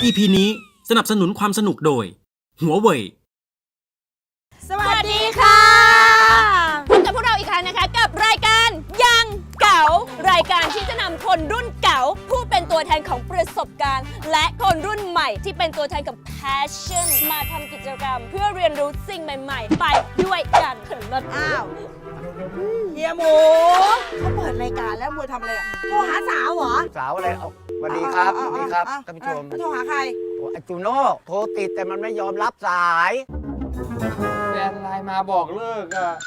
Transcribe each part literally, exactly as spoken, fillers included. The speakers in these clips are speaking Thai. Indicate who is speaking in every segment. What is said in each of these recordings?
Speaker 1: อี พี นี้สนับสนุนความสนุกโดยหัวเว่ย
Speaker 2: สวัสดีค่ะพบกับพวกเราอีกครั้งนะคะกับรายการยังเก๋ารายการที่จะนำคนรุ่นเก๋าผู้เป็นตัวแทนของประสบการณ์และคนรุ่นใหม่ที่เป็นตัวแทนกับ passion มาทำกิจกรรมเพื่อเรียนรู้สิ่งใหม่ๆไปด้วยกันเถิดรถอ้าวเฮียหมูเขาเปิดรายการแล้วมัวทำอะไรอ่ะโทรหาสาวเหรอ
Speaker 3: สาวอะไรเอาสวัสดีครับสวัสดีครับท่านผู้ชม
Speaker 2: โทรหาใคร
Speaker 3: ไอจูโน่โทรติดแต่มันไม่ยอมรับสาย
Speaker 4: แฟนไลน์มาบอกเลิกอ่ะ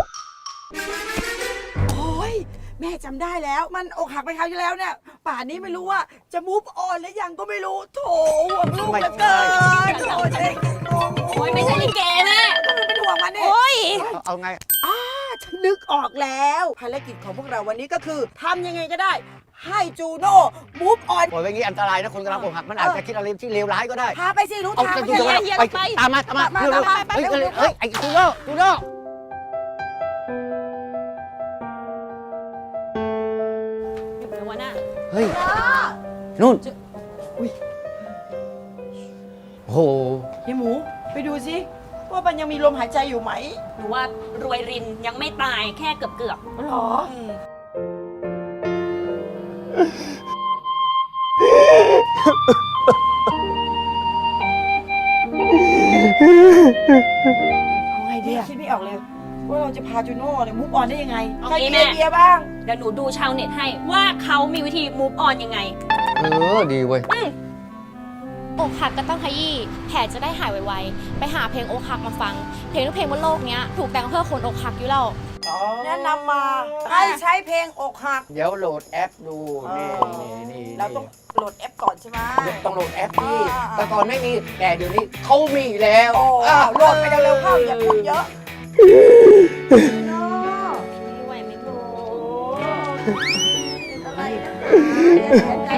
Speaker 2: โอ้ยแม่จำได้แล้วมันอกหักไปคราวที่แล้วเนี่ยป่านนี้ไม่รู้ว่าจะมูฟออนหรือยังก็ไม่รู้โถห่วงลูกเหลือเกินโอ้ยโอ้ยไม่ใช่ลิเกแม่มันเป็นห่วงมันเนี่ยโอ้ย
Speaker 3: เอาไง
Speaker 2: อ้าฉันนึกออกแล้วภารกิจของพวกเราวันนี้ก็คือทำยังไงก็ได้ให้จูโน่มูฟออน
Speaker 3: โอ้ยอย่างนี้อันตรายนะคนกำลังอกหักมันอาจจะคิดอะไรที่เลวร้ายก็ได้
Speaker 2: พาไปสิรู้ทาง
Speaker 3: ไปไปตามมาตามมาเร็วๆเฮ้ยเฮ้ยไอจูโน่จูโน่เฮ้ยนู่นอุ้ยโอ้โห
Speaker 2: เฮียหมูไปดูสิว่ามันยังมีลมหายใจอยู่ไหม
Speaker 5: หรือว่ารวยรินยังไม่ตายแค่เกือบเกือบ
Speaker 2: หรอเอาไงดีคิดไม่ออกเลยว่าเราจะพาจูโน่เนี่ยมูฟออนได้ยังไงใครมีไอเดียบ้าง
Speaker 5: เดี๋ยวหนูดูชาวเน็ตให้ว่าเขามีวิธีมูฟออนยังไง
Speaker 3: เออดีเว้ย
Speaker 6: อกหักก็ต้องขยี้แผลจะได้หายไวๆไปหาเพลงอกหักมาฟังเพลงทุกเพลงบนโลกนี้ถูกแต่งเพื่อคนอกหักอยู่แล้ว
Speaker 2: แนะนำมาให้ใช้เพลงอกหัก
Speaker 3: เดี๋ยวโหลดแอปดูนี่นี่นี่
Speaker 2: เราต้องโหลดแอปก่อนใช่ไหม
Speaker 3: ต้องโหลดแอปนี่แต่ก่อนไม่มีแต่เดี๋ยวนี้เขามีแล้ว
Speaker 2: โหลดไปเร็วๆเข้าอย่าพูดเยอะ
Speaker 5: ไม่ไหวไม่ถูก
Speaker 2: อะไรอะไร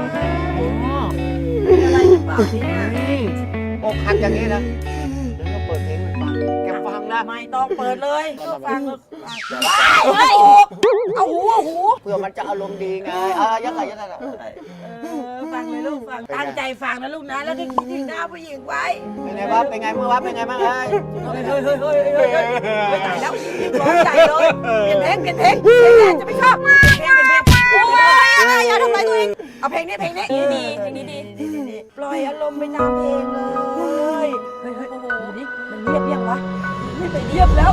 Speaker 2: เปล่าเนี่ย
Speaker 3: อกหักอย่างนี้นะเดี๋ยวเราเปิดเพลงให้ฟังแกฟังนะ
Speaker 2: ไม่ต้องเปิดเลยฟังเฮ้ยเอาหูเอาหู
Speaker 3: เพื่อมันจะอารมณ์ดีไงอ่ะยังไงยังไง
Speaker 2: ฟังเลยลูกฟังตั้งใจฟังนะลูกนะแล้วก็คิดถึงหน้าผู้หญิงไว้
Speaker 3: เป็นไงบ้างเป็นไงเมื่อวานเป็นไงบ้างเฮ้ย
Speaker 2: เฮ้ยเฮ้ยเฮ้ยเฮ้ยเฮ้ยไม่ตายแล้วยิ่งร้องใหญ่เลยเปลี่ยนเพลงเปลี่ยนเพลงเพลงแรกจะไม่ชอบเพลงเพลงเพลงโอ้ยอย่าทำร้ายตัวเองเอาเพลงนี้เพลงนี้
Speaker 5: ดีเพลงนี้ดี
Speaker 2: ปล่อยอารมณ์ไปตามเพลงเลยเฮ้ยเฮ้ยโอ้โหนี่มันเงียบยังวะไม่ไปเงียบแล้ว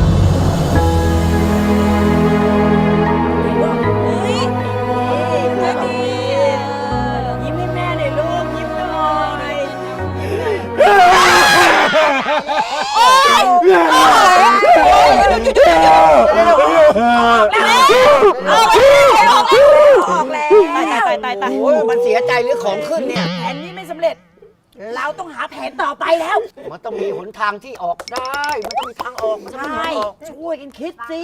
Speaker 2: ยิ้มให้แม่หน่อยลูกยิ้มหน่อยโอ้ยโอ้ยออกแล้วตายตายตายตาย
Speaker 3: โอ้ยมันเสียใจหรือของขึ้นเนี่ย
Speaker 2: แผนนี้ไม่สำเร็จเราต้องหาแผนต่อไปแล้ว
Speaker 3: มันต้องมีหนทางที่ออกได้มันต้องมีทางออกมันต้องมีทางออก
Speaker 2: ช่วยกันคิดสิ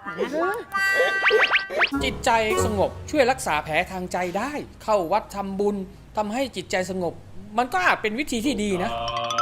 Speaker 4: จิตใจสงบช่วยรักษาแผลทางใจได้เข้าวัดทำบุญทำให้จิตใจสงบมันก็อาจเป็นวิธีที่ดีนะ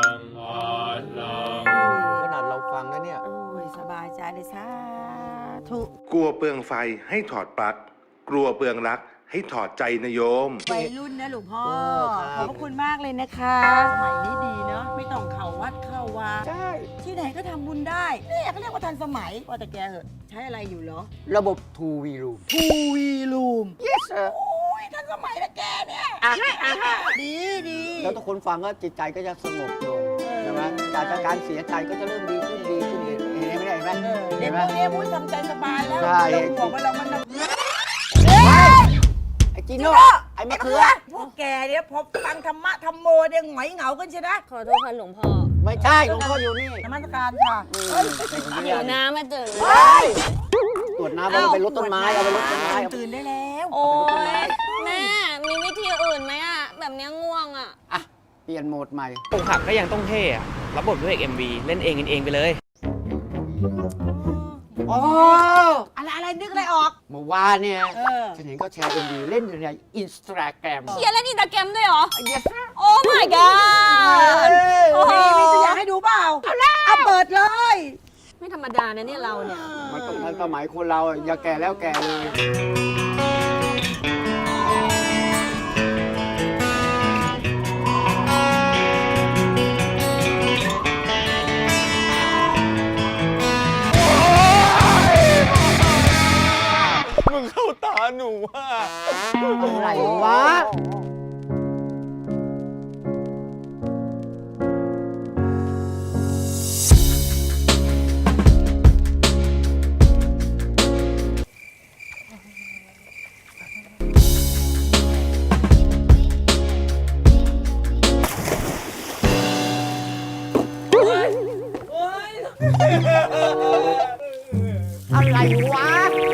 Speaker 3: ขนาดเราฟังแล้วเนี่ย
Speaker 2: สบายใจเลยสาธุ
Speaker 7: กลัวเปลืองไฟให้ถอดปลั๊กกลัวเปลืองรักให้ถอดใจนะโยม
Speaker 2: วัยรุ่นนะหลวงพ่อขอบคุณมากเลยนะคะสมัยนี้ดีเนาะไม่ต้องเข้าวัดเข้าวา
Speaker 3: ใช่
Speaker 2: ที่ไหนก็ทำบุญได้เนี่ยเขาเรียกว่าทันสมัยว่าแต่แกเหอะใช้อะไรอยู่เหรอ
Speaker 3: ระบบ ทู วี Room
Speaker 2: ทู วี Room
Speaker 3: yes sir
Speaker 2: โอ้ยทันสมัยนะแกเนี่ยดีดี
Speaker 3: แล้วทุกคนฟังก็จิตใจก็จะสงบลงใช่ไหมจากการเสียใจก็จะเริ่มดีขึ้นดีขึ้นเห็นไหมเห็นไหม
Speaker 2: เด็กพวกนี้มุ้ยทำใจสบายแล้ว
Speaker 3: ใช่
Speaker 2: บอกว่าเรามัน
Speaker 3: ไอ้จีโน่ไอ้มะเขือ
Speaker 2: พวกแกเนี่ยพอฟังธรรมะธรรมโมเนี่ยหงอยเหงากันใช่ไหม
Speaker 5: ขอโทษค่ะหลวงพ่อ
Speaker 3: ไม่ใช่หลวงพ่ออยู่นี่
Speaker 2: นมัสการค่ะ
Speaker 5: หิวน้ำมาตื่น
Speaker 3: ตรวจน้ำเอาไปรดต้นไม้เอาไปรดต้นไม้
Speaker 2: ตื่นได้แล้ว
Speaker 5: โอ้ยแม่มีวิธีอื่นไหมอะแบบนี้ง่วงอะ
Speaker 3: อ่ะเปลี่ยนโหมดใหม่
Speaker 4: อกหักก็ยังต้องเท่อะรับบทด้วยเอ็มวีเล่นเองกันเองไปเลย
Speaker 3: อ๋อ
Speaker 2: อะไรอะไรนึกอะไรออก
Speaker 3: เมื่อวานเนี่ยฉันเห็นเขาแชร์เอ็มวีเล่นในอินสตาแกรม
Speaker 5: เขียนเล่นอินสตาแกรมด้วยเหรอ
Speaker 3: yes
Speaker 5: โอ้ my god
Speaker 2: มีมีตัวอย่างให้ดูเปล่าเอาเปิดเลย
Speaker 5: ไม่ธรรมดานะเนี่ยเราเนี่ย
Speaker 3: มันต้องทันสมัยคนเราอย่าแก่แล้วแก่เลย
Speaker 8: เข้าตาหนูอ่ะ
Speaker 3: อะไรวะ อะไรวะ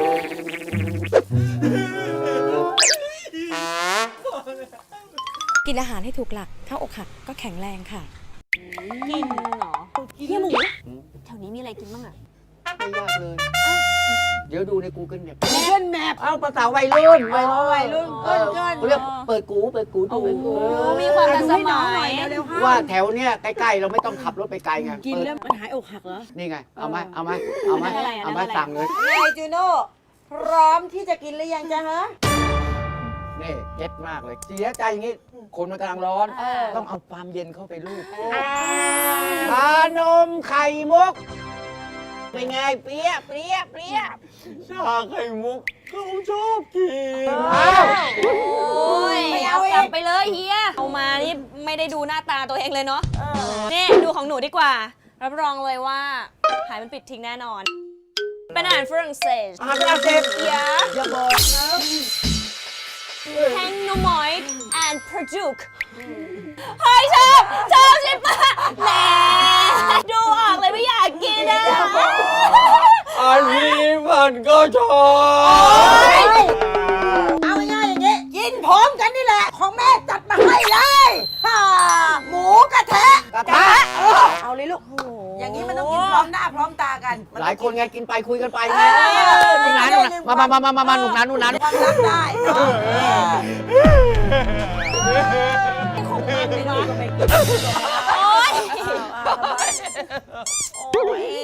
Speaker 6: กินอาหารให้ถูกหลัก ถ้าอกหักก็แข็งแรงค่ะ
Speaker 2: กินเหรอเฮียหมูแถวนี้มีอะไรกินบ้างอะ
Speaker 3: ไม่ยากเลย เดี๋ยวดูใน Google Map Google Map เอาภาษาวัยรุ่นวัยรุ่นวัยรุ่นเออเขาเรียกเปิดกูเปิดกูดู
Speaker 2: มีความทันสมัย
Speaker 3: ว่าแถวเนี้ยใกล้ๆเราไม่ต้องขับรถไปไกลไง
Speaker 9: กินแล้วมันหายอกหักเหรอ
Speaker 3: นี่ไง เอาไหมเอาไหมเอาไหมเอาไหมสั่งเลย
Speaker 9: ไงจูโน่พร้อมที่จะกินหรือยังจ๊ะฮะ
Speaker 3: นี่เก็ตมากเลย เสียใจอย่างงี้ คนมันกำลังร้อน ต้องเอาความเย็นเข้าไปลูบชานมไข่มุก เป็นไงเปรี้ยเปรี้ยเปรี้ย
Speaker 8: ชาไข่มุกเขาชอบกิน
Speaker 3: อ้าว
Speaker 2: โอ้ย
Speaker 9: ไม่
Speaker 2: เอา
Speaker 9: เอา
Speaker 2: กลับ
Speaker 9: อีก
Speaker 2: ไปเลยเฮียเอามานี่ไม่ได้ดูหน้าตาตัวเองเลยเนาะนี่ดูของหนูดีกว่า รับรองเลยว่าหายมันปิดทิ้งแน่นอน เป็นอาหารฝรั่งเศส
Speaker 3: อาหารฝรั่งเศส
Speaker 2: เยอะ
Speaker 3: อย่าบอกนะ
Speaker 2: แฮงโนมอยด์แอนด์พระจุกเฮ้ยชอบชอบใช่ปะแหมดูออกเลยไม่อยากกินอะ
Speaker 8: อันนี้มันก็ชอบ
Speaker 9: เอาง่ายๆอย่างงี้ กินพร้อมกันนี่แหละ ของแม่จัดมาให้เลยฮ่าหมูกระทะ
Speaker 3: กระทะ
Speaker 9: เออเอาเลยลูก อย่างนี้มันต้องกินพร้อมหน้าพร้อมตากันมั
Speaker 3: หลายคนไงกินไปคุยกันไป
Speaker 9: เอ
Speaker 3: ไง
Speaker 9: อ
Speaker 3: นู่นนะนู่นนะมามามามามาหนุนนั้นนู่นนั้น
Speaker 9: ความรักได้เนาะ
Speaker 2: ของมันเลยเนาะ
Speaker 9: โอ๊ยโอ๊ย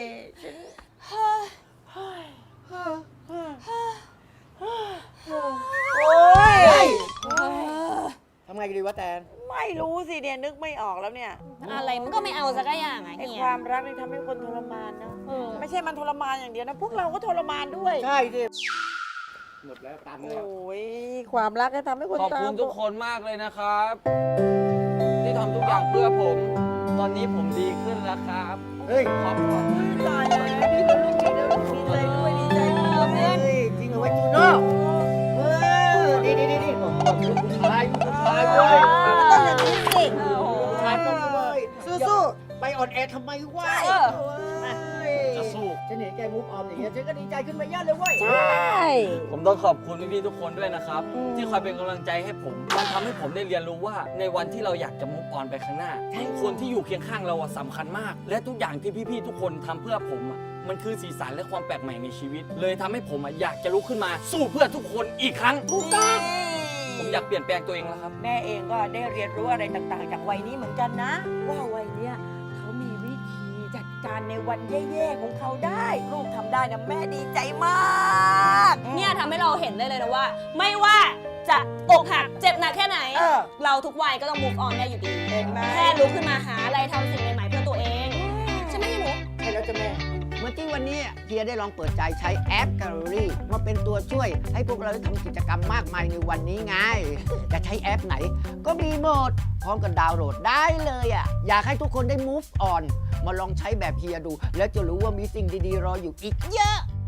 Speaker 9: โอ๊ย
Speaker 3: ทำไงกันดีวะแตน
Speaker 9: ไม่รู้สิเนี่ยนึกไม่ออกแล้วเนี่ย
Speaker 2: อะไรมันก็ไม่เอาสักอย่างไง
Speaker 9: ไอ้
Speaker 2: เฮี
Speaker 9: ค
Speaker 2: ยว
Speaker 9: ามรักนี่ทำให้คนทรมานนะ
Speaker 2: เออ
Speaker 9: ไม่ใช่มันทรมานอย่างเดียวนะ พวกเราก็ทรมานด้วย
Speaker 3: ใช่ดิหมดแล้วตังค์
Speaker 9: โอ
Speaker 3: แล้ว
Speaker 9: ้ยความรักก็ทำให้คน
Speaker 4: ขอบคุณ
Speaker 9: ตาม
Speaker 4: ทุกคนมากเลยนะครับ ที่ทำทุกอย่างเพื่อผม ตอนนี้ผมดีขึ้นแล้วครับ
Speaker 3: เฮ้ย
Speaker 4: ขอบคุณ
Speaker 9: ตายแล้วพี่เป็นลูกดีแล้วดีใจด้วยดีใจด้วยเพื่อน
Speaker 3: เฮ้ยจริงเหรอวะจูโน่เออดีดีดีดีผมบอกลูกผู้ชายลูกผู้ชายเว้ย
Speaker 9: มันต้องอย่างนี้สิ
Speaker 3: ลูกผู้ชายต้องเว้ย
Speaker 9: สู้
Speaker 3: ไปอ่อนแอทำไมวะ
Speaker 2: เออ
Speaker 3: จะสู้ฉันเห็นแกมุกออมอย่างเงี้ยฉันก็ดีใจขึ้นมาเยอะเลยเว้ย
Speaker 9: ใช่
Speaker 4: ผมต้องขอบคุณพี่ๆทุกคนด้วยนะครับ ที่คอยเป็นกำลังใจให้ผม มันทำให้ผมได้เรียนรู้ว่าในวันที่เราอยากจะมุกออนไปข้างหน้าคนที่อยู่เคียงข้างเราอะสำคัญมาก และทุกอย่างที่พี่ๆทุกคนทำเพื่อผมอะมันคือสีสันและความแปลกใหม่ในชีวิต เลยทำให้ผมอะอยากจะลุกขึ้นมา สู้เพื่อทุกคนอีกครั้งถูกต้องผมอยากเปลี่ยนแปลงตัวเองแล้วครับ
Speaker 9: แม่เองก็ได้เรียนรู้อะไรต่างๆ จากวัยนี้เหมือนกันนะ ว่าวัยเนี้ยเขามีวิธีจัดการในวันแย่ๆของเขาได้ ลูกทำได้นะแม่ดีใจมาก
Speaker 2: เนี่ยทำให้เราเห็นได้เลยนะว่า ไม่ว่าจะอกหักเจ็บหนักแค่ไหน
Speaker 9: เออ
Speaker 2: เราทุกวัยก็ต้อง move on ได้อยู่ดี
Speaker 9: เห็นไหม
Speaker 2: แค่ลุกขึ้นมาหาอะไรทำสิ่งใหม่ๆเพื่อตัวเองใช่ไหมหนู
Speaker 3: ใช่แล้วจ้ะแม่ เมื่อกี้วันนี้เฮียได้ลองเปิดใจใช้แอป Gallery มาเป็นตัวช่วยให้พวกเราได้ทำกิจกรรมมากมายในวันนี้ไง จะใช้แอปไหน ก็มีหมด พร้อมกับดาวน์โหลดได้เลยอ่ะ อยากให้ทุกคนได้ move on มาลองใช้แบบเฮียดู แล้วจะรู้ว่ามีสิ่งดีๆ รออยู่อีกเยอะ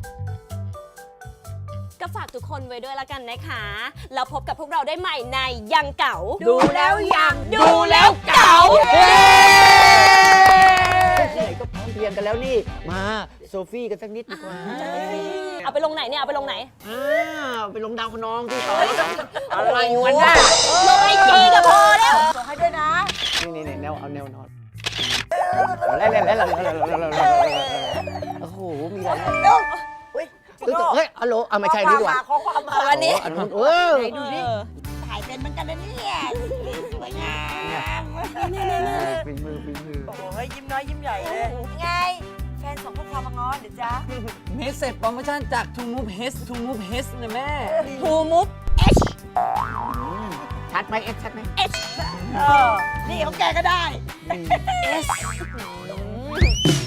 Speaker 2: ก็ฝากทุกคนไว้ด้วยละกันนะคะ แล้วพบกับพวกเราได้ใหม่ในยังเก่า
Speaker 9: ดูแล้วยัง
Speaker 2: ดูแล้วเก่า
Speaker 3: ที่ไหนก็พร้อมเพรียงกันแล้วนี่ มาโซฟี่กันสักนิดดีกว่า
Speaker 2: เอาไปลงไหนเนี่ย เอาไปลงไหน
Speaker 3: อ้าวไปลงดาวคนองที่ต่ออะไรวันน่ะ
Speaker 2: ลงไอจีก็พอแล้ว
Speaker 9: ส่งให้ด้วยนะ
Speaker 3: นี่นี่นี่แนวเอาแนวนอนแล้วแล้วแล้วโอ้โห มีอะไรนะ
Speaker 9: ลูกอุ้ย
Speaker 3: เฮ้ยเฮ้ยฮัลโหลอ่ะไม่ใช่นี่ดีกว่า
Speaker 9: ขอความมา
Speaker 2: วันนี้
Speaker 3: อันนู้นเออ
Speaker 9: ไหนดูดิถ่ายเป็นเหมือนกันนะเนี่ยสวยงาม
Speaker 3: ฝีมือฝีมือ
Speaker 9: โอ้ยยิ้มน้อยยิ้มใหญ่เลย ไง แฟนส่งข้อความมาง้อหรือจ๊ะ
Speaker 4: เมสเซจโปรโมชั่นจาก To Move H To Move H นะแม่
Speaker 2: ทูมุฟ
Speaker 3: ชัดไหมเอ็กชัดไหม
Speaker 9: เออ นี่ของแกก็ได้
Speaker 2: เอส